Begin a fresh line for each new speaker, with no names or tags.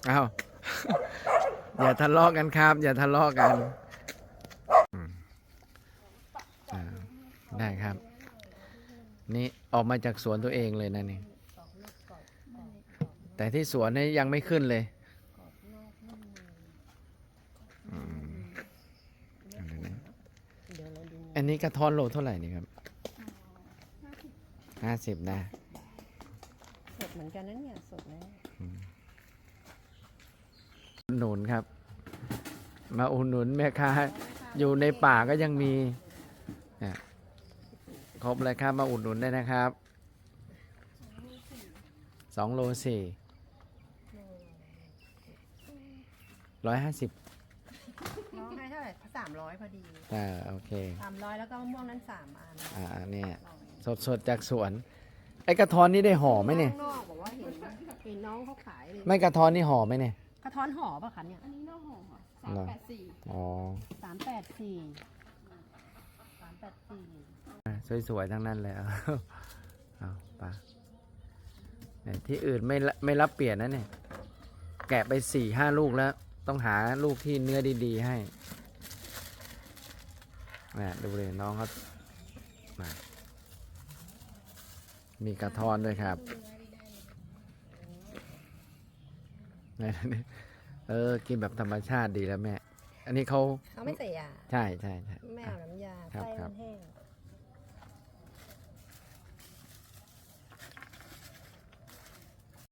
อ้าวอย่าทะเลาะกันครับ อย่าทะเลาะกันอ่าได้ครับ นี่ออกมาจากสวนตัวเองเลยนะนี่แต่ที่สวนนี่ยังไม่ขึ้นเลยอันนี้กระท้อนโลเท่าไหร่นี่ครับ50นะ
สดเหมือนกันนะเนี่ยสดนะ
หนุนครับ มาอุดหนุนแม่ค้าอยู่ในป่าก็ยังมีครบเลยครับมาอุดหนุนได้นะครับ2 โล 4 150
น้องให้เท่าไหร่300พอดี
โอเค
300แล้วก็มะม่วงนั้น3 อัน
เนี่ยสดจากสวนไอ้กระท้อนนี่ได้ห่อไหมเนี่ย
ข้างนอกบอกว่าเห็นน้องเขาขายเลย
ไม่กระท้อนนี่ห่อไหมเนี่ย
กระท้อนห่อป่ะคะเนี่ย
อันนี้นอกห่อค่ะ384
อ๋อ
384
สวยๆทั้งนั้นเลยเอาปะที่อื่นไม่รับเปลี่ยนนะเนี่ยแกะไป4-5 ลูกแล้วต้องหาลูกที่เนื้อดีๆให้ดูเลยน้องเขามีกระท้อนด้วยครับกินแบบธรรมชาติดีแล้วแม่อันนี้เขา
ไม่ใส่ยา
ใช่
ไม่เอาน้ำยาไส้มันแห้ง